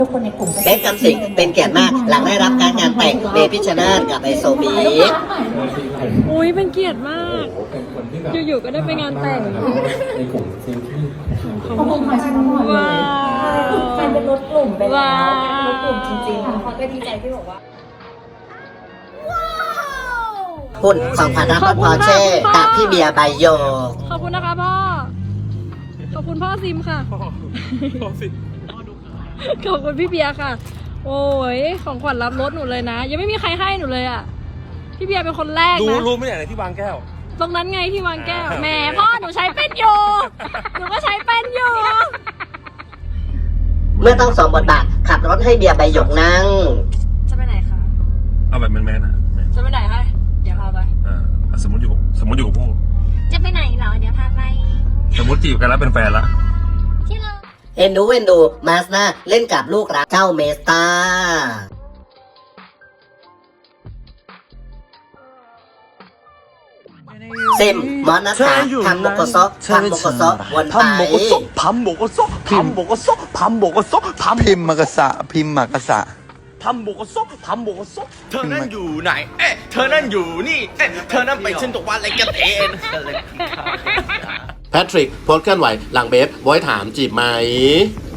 ทุกคนในกลุ่มเบสกับสิงเป็นเกียรติมากหลังได้รับการงานแต่งเมพิชชนาธิ์กับไอโซบีอุ้ยเป็นเกียรติมาก อยู่ๆก็ได้ไปงานแต่งขอบคุณค่ะชิมพรเลยแฟนเป็นรถกลุ่มไปแล้วรถกลุ่มจริงๆค่ะเขาก็ดีใจที่บอกว่าคุณ2,000รับรถพอเช่กับพี่เบียร์ใบโยขอบคุณนะคะพ่อ ขอบคุณพ่อซิมค่ะ ขอบคุณพี่เบียร์ค่ะ โอ้ยของขวัญรับรถหนูเลยนะ ยังไม่มีใครให้หนูเลยอ่ะ พี่เบียร์เป็นคนแรกนะรู้ไม่อย่างไรที่วางแก้วตรงนั้นไงที่วางแก้วแหมพ่อหนูใช้เป็นอยู่หนูก็ใช้เป็นอยู่เมื่อต้องสวมบทบาทขับรถให้เบียร์ใบหยกนั่งจะไปไหนคะเอาแบบแมนๆนะจะไปไหนคะเดี๋ยวพาไปสมมติอยู่กับผู้จะไปไหนเหรอเดี๋ยวพาไปสมมติจีบกันแล้วเป็นแฟนละที่เราเอ็นดูมาสนาเล่นกับลูกรักเจ้าเมสตาซิมมอนัสตาทำโมโกโซวนไป 밥 먹었어? 밥 먹었어? 밥 먹었어? 밥 พิมพ์มากษะพิมพ์มากษะ 밥 먹었어? 밥 먹었어? เธอนั่นอยู่ไหน เธอนั่นอยู่นี่ เธอนั่นไปเช่นตัววันอะไรกันเองแพทริกโพสต์เคลื่อนไหวหลังเบฟบอยถามจีบไหม